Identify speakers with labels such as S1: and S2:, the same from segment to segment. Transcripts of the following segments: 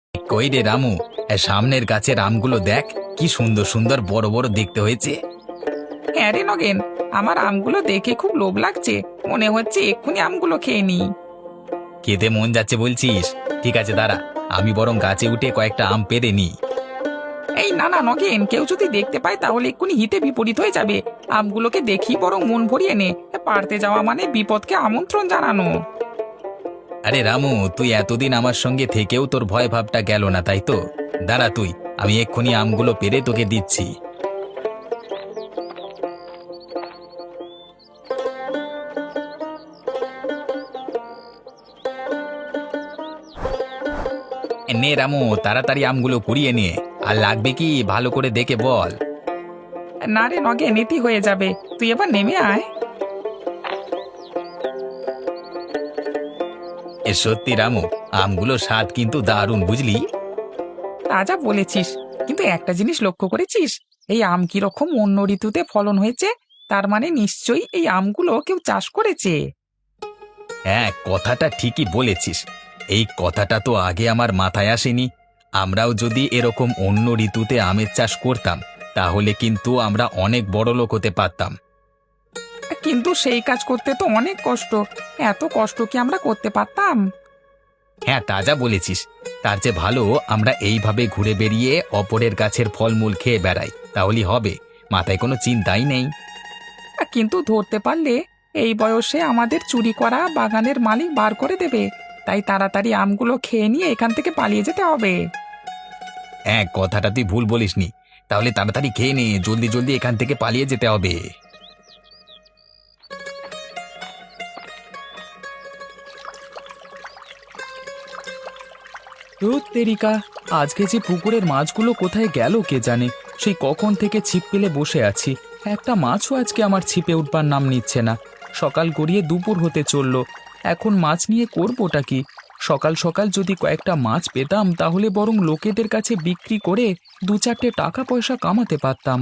S1: কই রে রামু, সামনের গাছের আমগুলো দেখ, কি সুন্দর সুন্দর বড় বড় দেখতে হয়েছে।
S2: হ্যাঁ রে নগেন, আমার আমগুলো দেখে খুব লোভ লাগছে। মনে হচ্ছে এক্ষুনি আমগুলো খেয়ে নি।
S1: খেতে মন যাচ্ছে বলছিস? ঠিক আছে, দাঁড়া, আমি বরং গাছে উঠে কয়েকটা আম পেড়ে নি।
S2: এই না না নগেন, কেউ যদি দেখতে পায় তাহলে এক্ষুনি হিতে বিপরীত হয়ে যাবে। আমগুলোকে দেখি বরং মন ভরিয়ে নে। পারতে যাওয়া মানে বিপদকে আমন্ত্রণ জানানো।
S1: আরে রামু, তুই এতদিন আমার সঙ্গে থেকেও তোর ভয় ভাবটা গেল না, তাই তো? দাঁড়া তুই, আমি এক্ষুনি আমগুলো পেড়ে তোকে দিচ্ছি। নে রামু, তাড়াতাড়ি আমগুলো কুড়িয়ে নিয়ে। আর লাগবে কি ভালো করে দেখে বল।
S2: না রে নগেন, এটি হয়ে যাবে। তুই এবার নেমে আয়।
S1: সত্যি রামু, আমগুলো স্বাদ কিন্তু দারুণ, বুঝলি?
S2: তা যা বলেছিস, কিন্তু একটা জিনিস লক্ষ্য করেছিস? এই আম কিরকম অন্য ঋতুতে ফলন হয়েছে। তার মানে নিশ্চয়ই এই আমগুলো কেউ চাষ করেছে।
S1: হ্যাঁ, কথাটা ঠিকই বলেছিস। এই কথাটা তো আগে আমার মাথায় আসেনি। আমরাও যদি এরকম অন্য ঋতুতে আমের চাষ করতাম, তাহলে কিন্তু আমরা অনেক বড় লোক হতে পারতাম।
S2: কিন্তু সেই কাজ করতে তো অনেক কষ্ট। এত কষ্ট কি আমরা করতে পারতাম?
S1: হ্যাঁ, তাজা বলেছিস। তার চেয়ে ভালো আমরা এইভাবে ঘুরে বেরিয়ে অপরের গাছের ফলমূল খেয়ে বেড়াই, তাহলেই হবে। মাথায় কোনো চিন্তাই নেই।
S2: কিন্তু ধরতে পারলে এই বয়সে আমাদের চুরি করা বাগানের মালিক বার করে দেবে। তাই তাড়াতাড়ি আমগুলো খেয়ে নিয়ে এখান থেকে পালিয়ে যেতে হবে।
S1: হ্যাঁ, কথাটা তুই ভুল বলিসনি। তাহলে তাড়াতাড়ি খেয়ে নে, জলদি জলদি এখান থেকে পালিয়ে যেতে হবে।
S3: ধুর তেরিকা, আজকে যে পুকুরের মাছগুলো কোথায় গেল কে জানে। সেই কখন থেকে ছিপ পেলে বসে আছি, একটা মাছও আজকে আমার ছিপে উঠবার নাম নিচ্ছে না। সকাল গড়িয়ে দুপুর হতে চললো, এখন মাছ নিয়ে করবোটা কি? সকাল সকাল যদি কয়েকটা মাছ পেতাম তাহলে বরং লোকেদের কাছে বিক্রি করে দু চারটে টাকা পয়সা কামাতে পারতাম।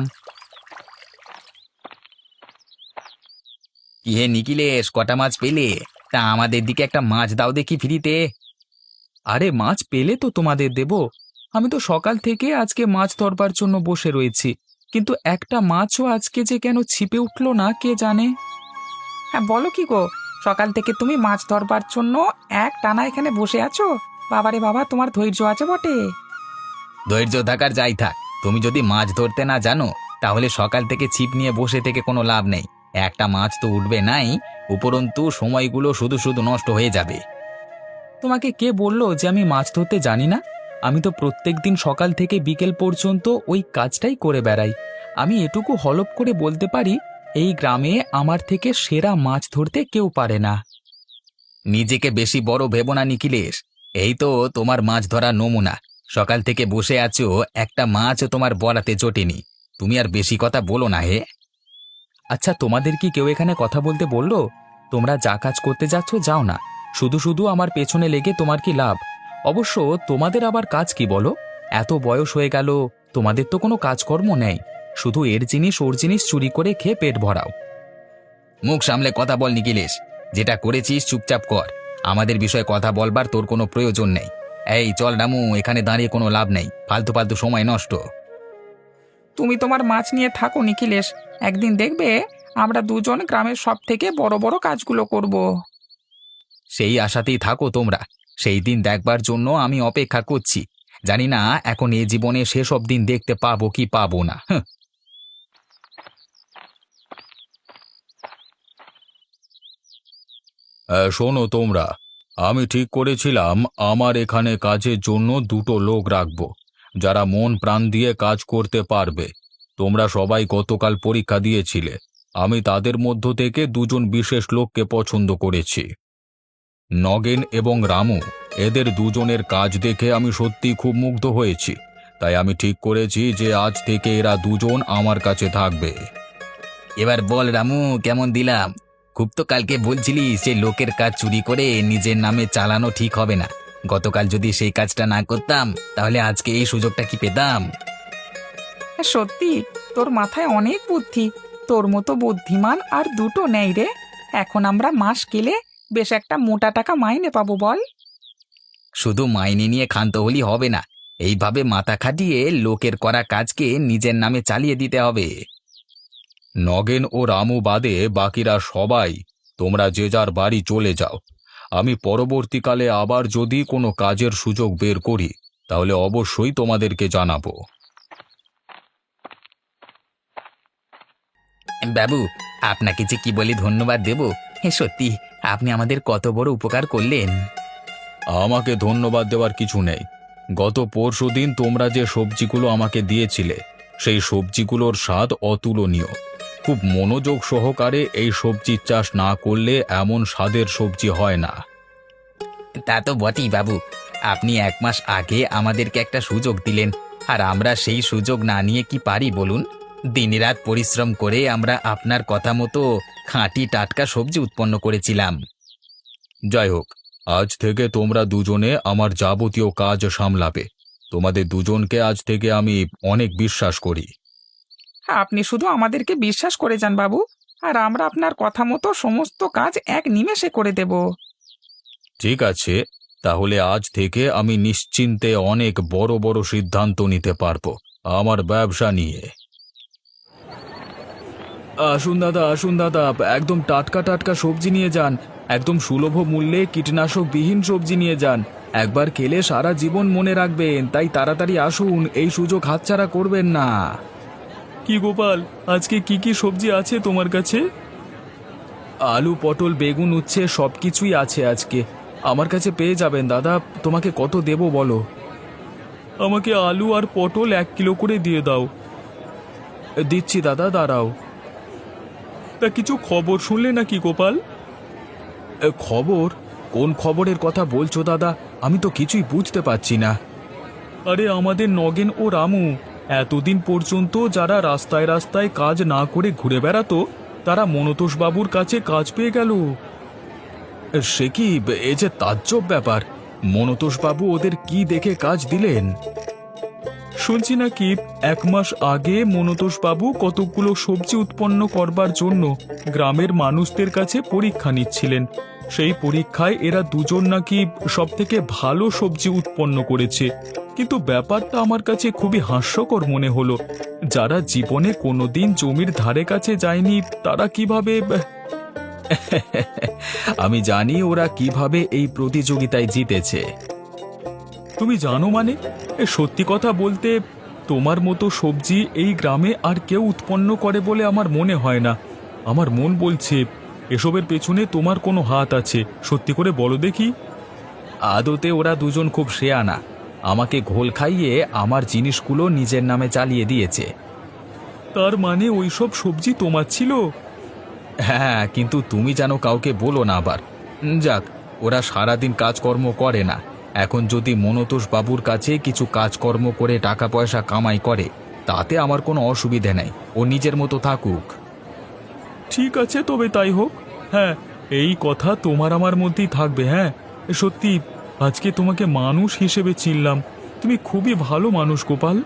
S1: কি হে নিখিলেশ, কটা মাছ পেলে? তা আমাদের দিকে একটা মাছ দাও দেখি ফ্রিতে।
S3: আরে মাছ পেলে তো তোমাদের দেব। আমি তো সকাল থেকে আজকে মাছ ধরবার জন্য বসে রয়েছি, কিন্তু একটা মাছও আজকে যে কেন ছিপে উঠলো না কে জানে।
S2: হ্যাঁ বলো কি গো, সকাল থেকে তুমি মাছ ধরবার জন্য এক টানা এখানে বসে আছো? বাবারে বাবা, তোমার ধৈর্য আছে বটে।
S1: ধৈর্য থাকার যাই থাক, তুমি যদি মাছ ধরতে না জানো, তাহলে সকাল থেকে ছিপ নিয়ে বসে থেকে কোনো লাভ নেই। একটা মাছ তো উঠবে নাই, উপরন্তু সময়গুলো শুধু শুধু নষ্ট হয়ে যাবে।
S3: তোমাকে কে বললো যে আমি মাছ ধরতে জানি না? আমি তো প্রত্যেক দিন সকাল থেকে বিকেল পর্যন্ত ওই কাজটাই করে বেড়াই। আমি এটুকু হলপ করে বলতে পারি, এই গ্রামে আমার থেকে সেরা মাছ ধরতে কেউ পারে না।
S1: নিজেকে বেশি বড় ভেবো না নিখিলেশ। এই তো তোমার মাছ ধরার নমুনা। সকাল থেকে বসে আছো, একটা মাছ তোমার বলাতে জোটেনি। তুমি আর বেশি কথা বলো না হে।
S3: আচ্ছা, তোমাদের কি কেউ এখানে কথা বলতে বললো? তোমরা যা কাজ করতে যাচ্ছ যাও না, শুধু শুধু আমার পেছনে লেগে তোমার কি লাভ? অবশ্য তোমাদের আবার কাজ কি বলো? এত বয়স হয়ে গেল, তোমাদের তো কোনো কাজকর্ম নেই, শুধু এর জিনিস ওর জিনিস চুরি করে খেয়ে পেট ভরাও।
S1: মুখ সামলে কথা বল নিখিলেশ। যেটা করেছিস চুপচাপ কর। আমাদের বিষয়ে কথা বলবার তোর কোনো প্রয়োজন নেই। এই চল রামু, এখানে দাঁড়িয়ে কোনো লাভ নেই, ফালতু ফালতু সময় নষ্ট।
S2: তুমি তোমার মাছ নিয়ে থাকো নিখিলেশ। একদিন দেখবে আমরা দুজন গ্রামের সব থেকে বড় বড় কাজগুলো করব।
S1: সেই আশাতেই থাকো তোমরা। সেই দিন দেখবার জন্য আমি অপেক্ষা করছি। জানি না এখন এ জীবনে সেসব দিন দেখতে পাবো কি পাবো না। শোনো তোমরা, আমি ঠিক করেছিলাম আমার এখানে কাজের জন্য দুটো লোক রাখব, যারা মন প্রাণ দিয়ে কাজ করতে পারবে। তোমরা সবাই গতকাল পরীক্ষা দিয়েছিলে। আমি তাদের মধ্য থেকে দুজন বিশেষ লোককে পছন্দ করেছি, নগেন এবং রামু। এদের দুজনের কাজ দেখে আমি সত্যি খুব মুগ্ধ হয়েছি। তাই আমি ঠিক করেছি যে আজ থেকে এরা দুজন আমার কাছে থাকবে। এবার বল রামু, কেমন দিলাম? খুব তো কালকে বলছিলি সে লোকের কাজ চুরি করে নিজের নামে চালানো ঠিক হবে না। গতকাল যদি সেই কাজটা না করতাম, তাহলে আজকে এই সুযোগটা কি পেতাম?
S2: হ্যাঁ, সত্যি তোর মাথায় অনেক বুদ্ধি। তোর মতো বুদ্ধিমান আর দুটো নেই রে। এখন আমরা মাস গেলে বেশ একটা মোটা টাকা মাইনে পাবো বল।
S3: শুধু মাইনে নিয়ে ক্ষান্ত হলেই হবে না, এইভাবে মাথা খাটিয়ে লোকের করা কাজকে নিজের নামে চালিয়ে দিতে হবে।
S1: নগেন ও রামু বাদে বাকিরা সবাই তোমরা যে যার বাড়ি চলে যাও। আমি পরবর্তীকালে আবার যদি কোনো কাজের সুযোগ বের করি তাহলে অবশ্যই তোমাদেরকে জানাবো।
S3: বাবু, আপনাকে যে কি বলে ধন্যবাদ দেব। সত্যি আপনি আমাদের কত বড় উপকার করলেন।
S1: আমাকে ধন্যবাদ দেওয়ার কিছু নেই। গত পরশুদিন তোমরা যে সবজিগুলো আমাকে দিয়েছিলে সেই সবজিগুলোর স্বাদ অতুলনীয়। খুব মনোযোগ সহকারে এই সবজির চাষ না করলে এমন স্বাদের সবজি হয় না।
S3: তা তো বটেই বাবু, আপনি 1 মাস আগে আমাদেরকে একটা সুযোগ দিলেন, আর আমরা সেই সুযোগ না নিয়ে কি পারি বলুন। দিনরাত পরিশ্রম করে আমরা আপনার কথা মতো খাঁটি টাটকা সবজি উৎপন্ন করেছিলাম।
S1: যাই হোক, আজ থেকে তোমরা দুজনে আমার যাবতীয় কাজ সামলাবে। তোমাদের দুজনকে আজ থেকে আমি অনেক বিশ্বাস করি।
S2: আপনি শুধু আমাদেরকে বিশ্বাস করে যান বাবু, আর আমরা আপনার কথা মতো সমস্ত কাজ এক নিমেষে করে দেব।
S1: ঠিক আছে, তাহলে আজ থেকে আমি নিশ্চিন্তে অনেক বড় বড় সিদ্ধান্ত নিতে পারবো আমার ব্যবসা নিয়ে।
S3: আসুন দাদা, একদম টাটকা টাটকা সবজি নিয়ে যান। একদম সুলভ মূল্যে কীটনাশকবিহীন সবজি নিয়ে যান। একবার খেলে সারা জীবন মনে রাখবেন, তাই তাড়াতাড়ি আসুন, এই সুযোগ হাতছাড়া করবেন না। কি গোপাল, আজকে কি কি সবজি আছে তোমার কাছে? আলু, পটল, বেগুন, উচ্ছে সব কিছুই আছে আজকে। আমার কাছে পেয়ে যাবেন দাদা। তোমাকে কত দেবো বলো? আমাকে আলু আর পটল 1 কিলো করে দিয়ে দাও। দিচ্ছি দাদা, দাঁড়াও। তা কিছু খবর শুনলে নাকি গোপাল? খবর? কোন খবরের কথা বলছো দাদা? আমি তো কিছুই বুঝতে পারছি না। আরে আমাদের নগেন ও রামু এতদিন পর্যন্ত যারা রাস্তায় রাস্তায় কাজ না করে ঘুরে বেড়াতো, তারা মনতোষ বাবুর কাছে কাজ পেয়ে গেল। সে কি, এ যে তাজ্জব ব্যাপার। মনতোষ বাবু ওদের কি দেখে কাজ দিলেন? শুনছি নাকি 1 মাস আগে মনতোষ বাবু কতগুলো সবজি উৎপন্ন করবার জন্য গ্রামের মানুষদের কাছে পরীক্ষা নিচ্ছিলেন। সেই পরীক্ষায় এরা দুজন নাকি সবথেকে ভালো সবজি উৎপন্ন করেছে। কিন্তু ব্যাপারটা আমার কাছে খুবই হাস্যকর মনে হলো। যারা জীবনে কোনোদিন জমির ধারে কাছে যায়নি তারা কিভাবে আমি জানি ওরা কিভাবে এই প্রতিযোগিতায় জিতেছে। তুমি জানো মানে? সত্যি কথা বলতে, তোমার মতো সবজি এই গ্রামে আর কেউ উৎপন্ন করে বলে আমার মনে হয় না। আমার মন বলছে এসবের পেছনে তোমার কোনো হাত আছে। সত্যি করে বলো দেখি। আদতে ওরা দুজন খুব শেয়ানা। আমাকে ঘোল খাইয়ে আমার জিনিসগুলো নিজের নামে চালিয়ে দিয়েছে। তার মানে ওইসব সবজি তোমার ছিল? হ্যাঁ, কিন্তু তুমি যেন কাউকে বলো না আবার। যাক, ওরা সারাদিন কাজকর্ম করে না। এখন যদি মনতোষ বাবুর কাছে কিছু কাজকর্ম করে টাকা পয়সা কামাই করে, তাতে আমার কোনো অসুবিধে নেই। ও নিজের মতো থাকুক। ঠিক আছে, তবে তাই হোক। হ্যাঁ, এই কথা তোমার আমার মধ্যেই থাকবে। হ্যাঁ, সত্যি আজকে তোমাকে মানুষ হিসেবে চিনলাম। তুমি খুবই ভালো মানুষ গোপাল।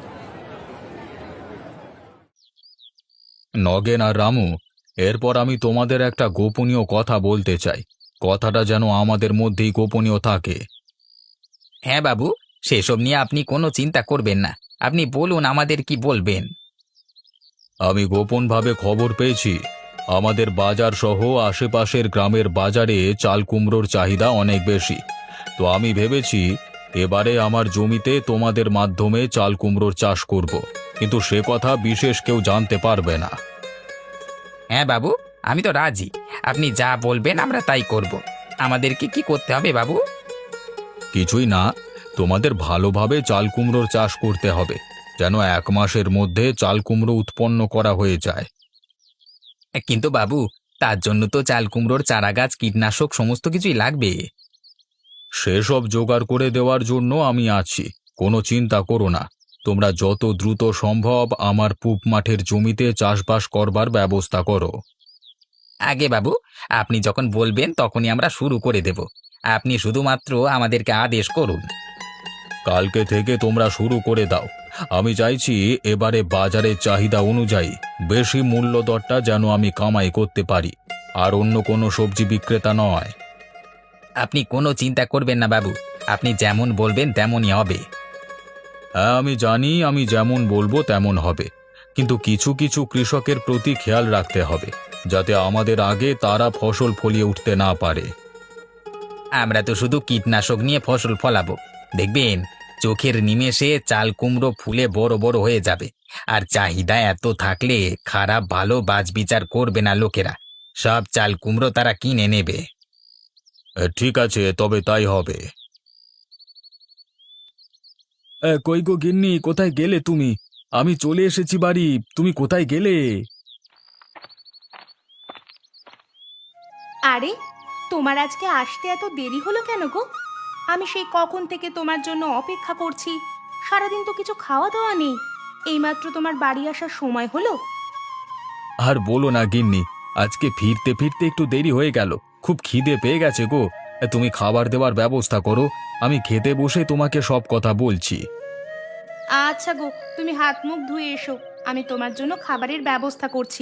S1: নগেন আর রামু, এরপর আমি তোমাদের একটা গোপনীয় কথা বলতে চাই। কথাটা যেন আমাদের মধ্যেই গোপনীয় থাকে।
S3: হ্যাঁ বাবু, সেসব নিয়ে আপনি কোনো চিন্তা করবেন না। আপনি বলুন আমাদের কি বলবেন।
S1: আমি গোপনভাবে খবর পেয়েছি আমাদের বাজার সহ আশেপাশের গ্রামের বাজারে চাল কুমড়োর চাহিদা অনেক বেশি। তো আমি ভেবেছি এবারে আমার জমিতে তোমাদের মাধ্যমে চাল কুমড়োর চাষ করব, কিন্তু সে কথা বিশেষ কেউ জানতে পারবে না।
S3: হ্যাঁ বাবু, আমি তো রাজি। আপনি যা বলবেন আমরা তাই করব। আমাদেরকে কি করতে হবে বাবু?
S1: কিছুই না, তোমাদের ভালোভাবে চাল কুমড়োর চাষ করতে হবে, যেন 1 মাসের মধ্যে চাল কুমড়ো উৎপন্ন করা হয়ে যায়।
S3: কিন্তু বাবু, তার জন্য তো চাল কুমড়োর চারাগাছ, কীটনাশক সমস্ত কিছুই লাগবে।
S1: সেসব জোগাড় করে দেওয়ার জন্য আমি আছি, কোনো চিন্তা করো না। তোমরা যত দ্রুত সম্ভব আমার পূব মাঠের জমিতে চাষবাস করবার ব্যবস্থা করো।
S3: আগে বাবু, আপনি যখন বলবেন তখনই আমরা শুরু করে দেব। আপনি শুধুমাত্র আমাদেরকে আদেশ করুন।
S1: কালকে থেকে তোমরা শুরু করে দাও। আমি চাইছি এবারে বাজারের চাহিদা অনুযায়ী বেশি মূল্য দরটা যেন আমি কামাই করতে পারি, আর অন্য কোনো সবজি বিক্রেতা নয়।
S3: আপনি কোনো চিন্তা করবেন না বাবু। আপনি যেমন বলবেন তেমনই হবে।
S1: হ্যাঁ আমি জানি, আমি যেমন বলবো তেমন হবে, কিন্তু কিছু কিছু কৃষকের প্রতি খেয়াল রাখতে হবে, যাতে আমাদের আগে তারা ফসল ফলিয়ে উঠতে না পারে।
S3: আমরা তো শুধু কীটনাশক নিয়ে ফসল ফলাবো, দেখবেন চোখের নিমেষে চাল কুমড়ো ফুলে বড় বড় হয়ে যাবে। আর চাহিদা এত থাকলে খারাপ ভালো বাছবিচার করবে না লোকেরা, সব চাল কুমড়ো তারা কিনে নেবে।
S1: ঠিক আছে, তবে তাই হবে। কই গো গিন্নি, কোথায় গেলে তুমি? আমি চলে এসেছি বাড়ি, তুমি কোথায় গেলে?
S4: আরে, তোমার আজকে আসতে এত দেরি হলো কেন গো? আমি সেই কখন থেকে তোমার জন্য অপেক্ষা করছি। সারাদিন তো কিছু খাওয়া দাওয়া নেই, এইমাত্র তোমার বাড়ি আসার সময় হলো।
S1: আর বলো না গিন্নি, আজকে ফিরতে ফিরতে একটু দেরি হয়ে গেল, খুব খিদে পেয়ে গেছে গো। তুমি খাবার দেওয়ার ব্যবস্থা করো, আমি খেতে বসে তোমাকে সব কথা বলছি।
S4: আচ্ছা গো, তুমি হাত মুখ ধুয়ে এসো, আমি তোমার জন্য খাবারের ব্যবস্থা করছি।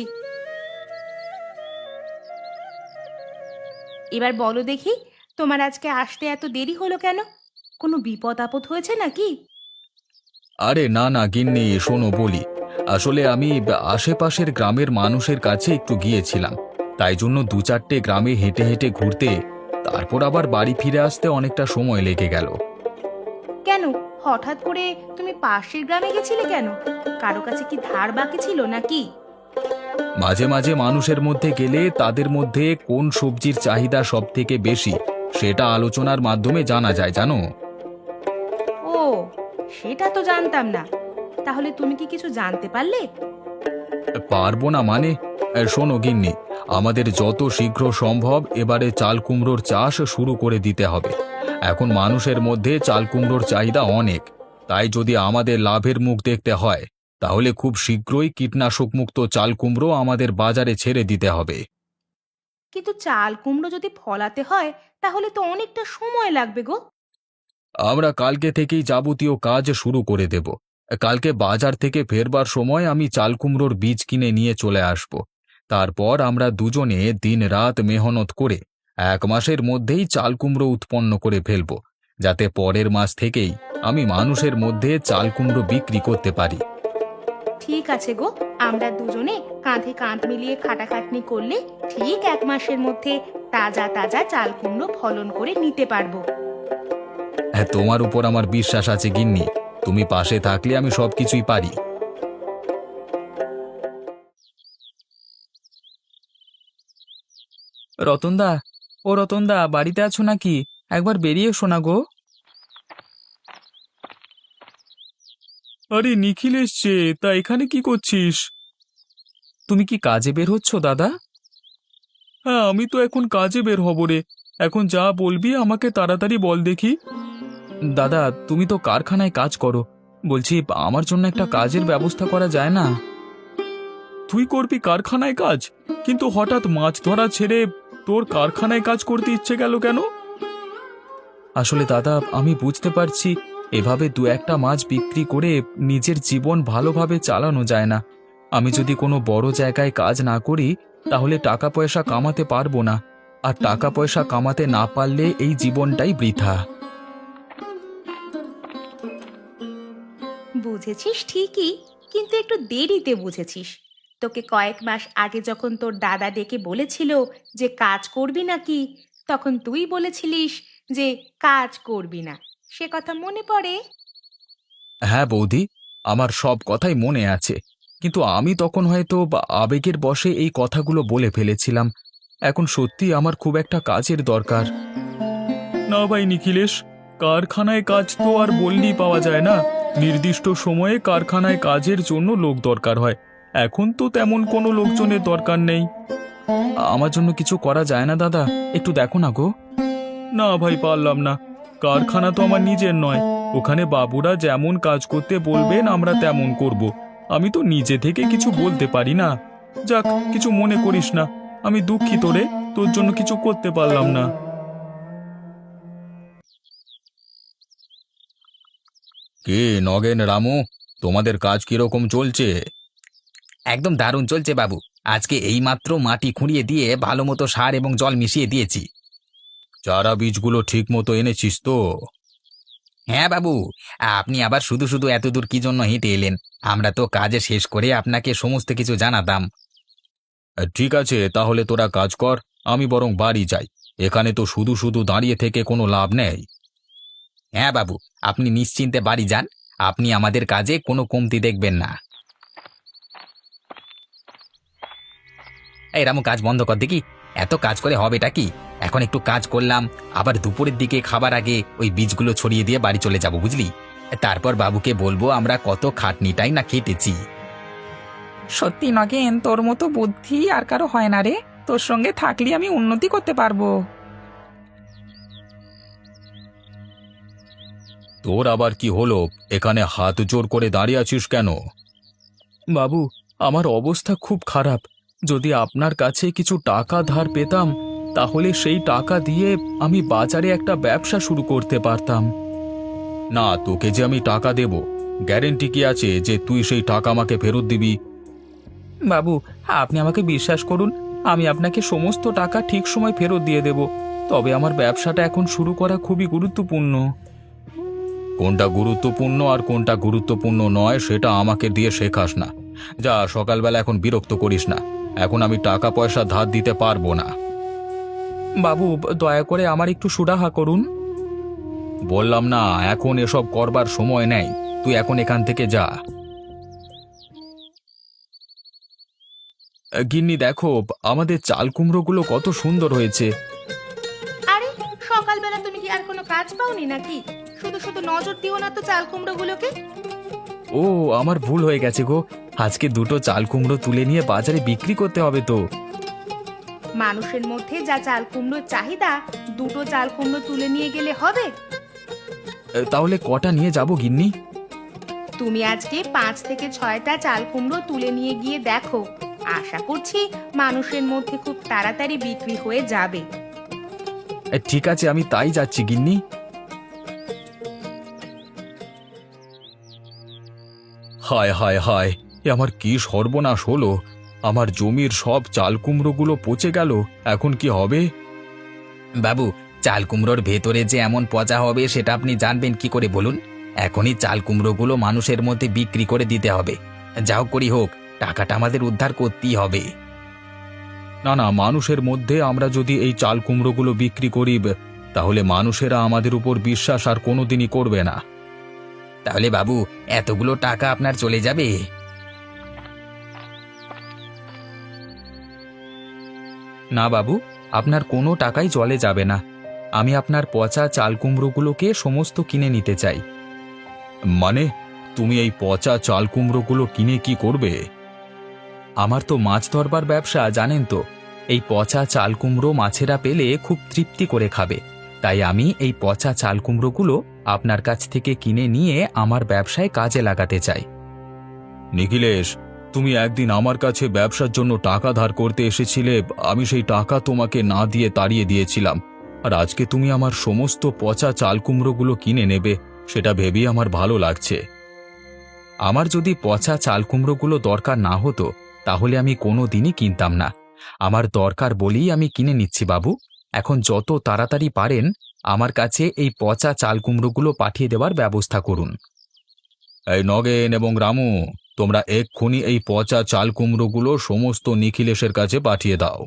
S4: এবার বলো দেখি, তোমার আজকে আসতে এত দেরি হলো কেন? কোনো বিপদ আপদ হয়েছে নাকি?
S1: আরে না না গিন্নি, শোনো বলি, আসলে আমি আশেপাশের গ্রামের মানুষের কাছে একটু গিয়েছিলাম, তাই জন্য দু চারটে গ্রামে হেঁটে হেঁটে ঘুরতে, তারপর আবার বাড়ি ফিরে আসতে অনেকটা সময় লেগে গেল।
S4: কেন, হঠাৎ করে তুমি পাশের গ্রামে গেছিলে কেন? কারো কাছে কি ধার বাকি ছিল নাকি?
S1: মাঝে মাঝে মানুষের মধ্যে গেলে তাদের মধ্যে কোন সবজির চাহিদা সব থেকে বেশি সেটা আলোচনার মাধ্যমে জানা যায়, জানো।
S4: ও, সেটা তো জানতাম না। তাহলে তুমি কি কিছু জানতে পারলে?
S1: পারবো না মানে? শোনো গিন্নি, আমাদের যত শীঘ্র সম্ভব এবারে চাল কুমড়োর চাষ শুরু করে দিতে হবে। এখন মানুষের মধ্যে চাল কুমড়োর চাহিদা অনেক, তাই যদি আমাদের লাভের মুখ দেখতে হয় তাহলে খুব শীঘ্রই কীটনাশক মুক্ত চাল কুমড়ো আমাদের বাজারে ছেড়ে দিতে হবে।
S4: কিন্তু চাল কুমড়ো যদি ফলাতে হয় তাহলে তো অনেকটা সময় লাগবে গো।
S1: আমরা কালকে থেকেই যাবতীয় কাজ শুরু করে দেব। কালকে বাজার থেকে ফেরবার সময় আমি চাল কুমড়োর বীজ কিনে নিয়ে চলে আসব। তারপর আমরা দুজনে দিনরাত মেহনত করে 1 মাসের মধ্যেই চাল কুমড়ো উৎপন্ন করে ফেলব, যাতে পরের মাস থেকেই আমি মানুষের মধ্যে চাল কুমড়ো বিক্রি করতে পারি।
S4: ঠিক আছে গো, আমরা দুজনে কাঁধে কাঁধ মিলিয়ে খাটাখাটনি করলে ঠিক 1 মাসের মধ্যে তাজা তাজা চাল কুমড়ো ফলন করে নিতে পারবো।
S1: হ্যাঁ, তোমার উপর আমার বিশ্বাস আছে গিন্নি, তুমি পাশে থাকলে আমি সবকিছুই পারি।
S3: রতনদা, ও রতনদা, বাড়িতে আছো নাকি? একবার বেরিয়ে এসো না গো।
S1: আরে নিখিল এসছে, তা এখানে কি করছিস?
S3: তুমি কি কাজে বের হচ্ছ দাদা?
S1: হ্যাঁ, আমি তো এখন কাজে বের হব রে। এখন যা বলবি আমাকে তাড়াতাড়ি বল দেখি।
S3: দাদা, তুমি তো কারখানায় কাজ করো, বলছি আমার জন্য একটা কাজের ব্যবস্থা করা যায় না?
S1: তুই করবি কারখানায় কাজ, কিন্তু হঠাৎ মাছ ধরা ছেড়ে তোর কারখানায় কাজ করতে ইচ্ছে গেল কেন?
S3: আসলে দাদা, আমি বুঝতে পারছি এভাবে দু একটা মাছ বিক্রি করে নিজের জীবন ভালোভাবে চালানো যায় না। আমি যদি কোনো বড় জায়গায় কাজ না করি তাহলে টাকা পয়সা কামাতে পারবো না, আর টাকা পয়সা কামাতে না পারলে এই জীবনটাই বৃথা।
S4: বুঝেছিস ঠিকই, কিন্তু একটু দেরিতে বুঝেছিস। তোকে কয়েক মাস আগে যখন তোর দাদা ডেকে বলেছিল যে কাজ করবি নাকি, তখন তুই বলেছিলিস যে কাজ করবি না। সে কথা মনে পড়ে?
S3: হ্যাঁ বৌদি, আমার সব কথাই মনে আছে, কিন্তু আমি তখন হয়তো আবেগের বশে এই কথাগুলো বলে ফেলেছিলাম। এখন সত্যি আমার খুব একটা কাজের দরকার।
S1: না ভাই নিখিলেশ, কারখানায় কাজ তো আর বললেই পাওয়া যায় না। নির্দিষ্ট সময়ে কারখানায় কাজের জন্য লোক দরকার হয়, এখন তো তেমন কোনো লোকজনের দরকার নেই।
S3: আমার জন্য কিছু করা যায় না দাদা? একটু দেখো না গো।
S1: না ভাই, পারলাম না। কারখানা তো আমার নিজের নয়, ওখানে বাবুরা যেমন কাজ করতে বলবেন আমরা তেমন করব। আমি তো নিজে থেকে কিছু বলতে পারি না। যাক, কিছু মনে করিস না, আমি দুঃখিত রে, তোর জন্য কিছু করতে পারলাম না। কে নগেন, রামু, তোমাদের কাজ কিরকম চলছে?
S3: একদম দারুণ চলছে বাবু। আজকে এইমাত্র মাটি খুঁড়িয়ে দিয়ে ভালো মতো সার এবং জল মিশিয়ে দিয়েছি।
S1: চারা বীজগুলো ঠিক মতো এনেছিস তো?
S3: হ্যাঁ বাবু, আপনি আবার শুধু শুধু এত দূর কি জন্য হেঁটে এলেন? আমরা তো কাজে শেষ করে আপনাকে সমস্ত কিছু জানাতাম।
S1: ঠিক আছে, তাহলে তোরা কাজ কর, আমি বরং বাড়ি যাই। এখানে তো শুধু শুধু দাঁড়িয়ে থেকে কোনো লাভ নেই।
S3: হ্যাঁ বাবু, আপনি নিশ্চিন্তে বাড়ি যান। আপনি আমাদের কাজে কোনো কমতি দেখবেন না। এই রামু, কাজ বন্ধ কর দেখি। এত কাজ করে হবেটা কি? এখন একটু কাজ করলাম, আবার দুপুরের দিকে খাবার আগে ওই বীজগুলো ছড়িয়ে দিয়ে বাড়ি চলে যাব, বুঝলি? তারপর বাবুকে বলবো আমরা কত খাটনিটাই না খেটেছি।
S2: সত্যি নগেন, তোর মতো বুদ্ধি আর কারো হয় না রে। তোর সঙ্গে থাকলে আমি উন্নতি করতে পারবো।
S1: তোর আবার কি হলো? এখানে হাত জোর করে দাঁড়িয়ে আছিস কেন?
S3: বাবু, আমার অবস্থা খুব খারাপ। যদি আপনার কাছে কিছু টাকা ধার পেতাম, তাহলে সেই টাকা দিয়ে আমি বাজারে একটা ব্যবসা শুরু করতে পারতাম।
S1: না, তোকে যে আমি টাকা দেব, গ্যারেন্টি কি আছে যে তুই সেই টাকা আমাকে ফেরত দিবি?
S3: বাবু, আপনি আমাকে বিশ্বাস করুন, আমি আপনাকে সমস্ত টাকা ঠিক সময় ফেরত দিয়ে দেব। তবে আমার ব্যবসাটা এখন শুরু করা খুবই গুরুত্বপূর্ণ।
S1: কোনটা গুরুত্বপূর্ণ আর কোনটা গুরুত্বপূর্ণ নয় সেটা আমাকে দিয়ে শেখাস না। যা, সকালবেলা এখন বিরক্ত করিস না। এখন আমি টাকা পয়সা ধার দিতে পারবো না।
S3: বাবু, দয়া করে আমার একটু সুরাহা করুন।
S1: বললাম না, এখন এসব করবার সময় নেই। তুই এখন এখান থেকে যা।
S3: গিন্নি দেখো, আমাদের চাল কুমড়োগুলো কত সুন্দর হয়েছে।
S4: আরে, সকালবেলা তুমি কি আর কোনো কাজ পাওনি নাকি? শুধু শুধু নজর দিও না তো চাল কুমড়োগুলোকে।
S3: ও, আমার ভুল হয়ে গেছে গো। আজকে দুটো চাল কুমড়ো তুলে নিয়ে বাজারে বিক্রি করতে হবে তো।
S4: মানুষের মধ্যে যা চাল কুমড়োর চাহিদা, দুটো চাল কুমড়ো তুলে নিয়ে গেলে হবে?
S3: তাহলে কটা নিয়ে যাব গিন্নি?
S4: তুমি আজকে 5 থেকে 6টা চাল কুমড়ো তুলে নিয়ে গিয়ে দেখো। আশা করছি মানুষের মধ্যে খুব তাড়াতাড়ি বিক্রি হয়ে যাবে।
S3: ঠিক আছে, আমি তাই যাচ্ছি গিন্নি।
S1: হায় হায় হায়, এ আমার কি সর্বনাশ হলো! আমার জমির সব চাল কুমড়োগুলো পচে গেল। এখন কি হবে?
S3: বাবু, চাল কুমড়োর ভেতরে যে এমন পচা হবে সেটা আপনি জানবেন কি করে বলুন? এখনই চাল কুমড়োগুলো মানুষের মধ্যে বিক্রি করে দিতে হবে। যাও করি হোক, টাকাটা আমাদের উদ্ধার করতেই হবে।
S1: না না, মানুষের মধ্যে আমরা যদি এই চাল কুমড়োগুলো বিক্রি করি, তাহলে মানুষেরা আমাদের উপর বিশ্বাস আর কোনোদিনই করবে না।
S3: তাহলে বাবু, এতগুলো টাকা আপনার চলে যাবে? না বাবু, আপনার কোনো টাকাই জলে যাবে না। আমি আপনার পচা চাল কুমড়োগুলোকে সমস্ত কিনে নিতে চাই।
S1: মানে, তুমি এই পচা চাল কুমড়োগুলো কিনে কি করবে?
S3: আমার তো মাছ ধরবার ব্যবসা, জানেন তো। এই পচা চাল কুমড়ো মাছেরা পেলে খুব তৃপ্তি করে খাবে। তাই আমি এই পচা চাল কুমড়োগুলো আপনার কাছ থেকে কিনে নিয়ে আমার ব্যবসায় কাজে লাগাতে চাই।
S1: নিখিলেশ, তুমি একদিন আমার কাছে ব্যবসার জন্য টাকা ধার করতে এসেছিলে। আমি সেই টাকা তোমাকে না দিয়ে তাড়িয়ে দিয়েছিলাম। আর আজকে তুমি আমার সমস্ত পচা চাল কুমড়োগুলো কিনে নেবে, সেটা ভেবেই আমার ভালো লাগছে।
S3: আমার যদি পচা চাল কুমড়োগুলো দরকার না হতো, তাহলে আমি কোনো দিনই কিনতাম না। আমার দরকার বলেই আমি কিনে নিচ্ছি বাবু। এখন যত তাড়াতাড়ি পারেন আমার কাছে এই পচা চাল কুমড়োগুলো পাঠিয়ে দেওয়ার ব্যবস্থা করুন।
S1: এই নগেন এবং রামু, তোমরা এক্ষুনি এই পচা চাল কুমড়োগুলো সমস্ত নিখিলেশের কাছে পাঠিয়ে দাও।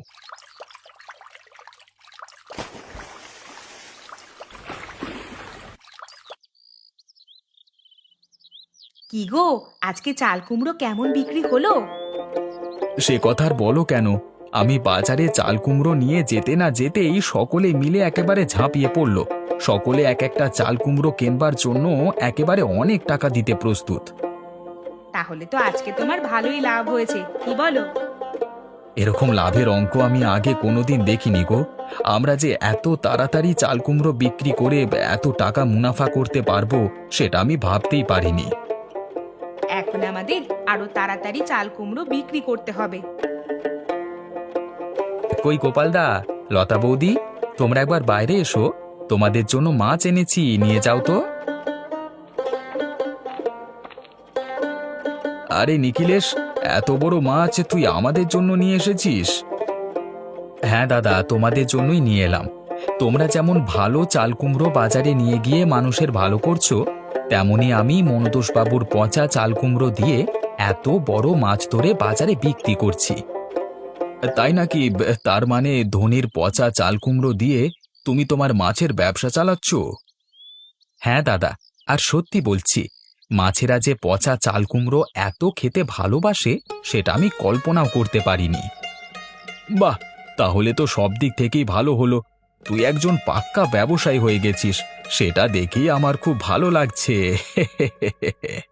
S4: কি গো, আজকে চাল কুমড়ো কেমন বিক্রি হলো?
S3: সে কথা আর বলো কেন, আমি বাজারে চাল কুমড়ো নিয়ে যেতে না যেতেই সকলে মিলে একেবারে ঝাঁপিয়ে পড়ল। সকলে এক একটা চাল কুমড়ো কেনবার জন্য একেবারে অনেক টাকা দিতে প্রস্তুত।
S4: তাহলে তো আজকে তোমার ভালোই লাভ হয়েছে, কি বলো?
S3: এরকম লাভের অঙ্ক আমি আগে কোনোদিন দেখিনি গো। আমরা যে এত তাড়াতাড়ি চাল কুমড়ো বিক্রি করে এত টাকা মুনাফা করতে পারবো সেটা আমি ভাবতেই পারিনি।
S4: এখন আমাদের আরো তাড়াতাড়ি চাল কুমড়ো বিক্রি করতে হবে।
S3: কই গোপালদা, লতা বৌদি, তোমরা একবার বাইরে এসো। তোমাদের জন্য মাছ এনেছি, নিয়ে যাও তো। আরে নিখিলেশ, এত বড় মাছ তুই আমাদের জন্য নিয়ে এসেছিস? হ্যাঁ দাদা, তোমাদের জন্যই নিয়ে এলাম। তোমরা যেমন ভালো চাল কুমড়ো বাজারে নিয়ে গিয়ে মানুষের ভালো করছো, তেমনি আমি মনতোষবাবুর পচা চাল কুমড়ো দিয়ে এত বড় মাছ ধরে বাজারে বিক্রি করছি। তাই নাকি? তার মানে ধনির পচা চাল কুমড়ো দিয়ে তুমি তোমার মাছের ব্যবসা চালাচ্ছ? হ্যাঁ দাদা, আর সত্যি বলছি, মাছেরা যে পচা চাল কুমড়ো এত খেতে ভালোবাসে সেটা আমি কল্পনাও করতে পারিনি। বাহ, তাহলে তো সব দিক থেকেই ভালো হলো। তুই একজন পাক্কা ব্যবসায়ী হয়ে গেছিস, সেটা দেখেই আমার খুব ভালো লাগছে।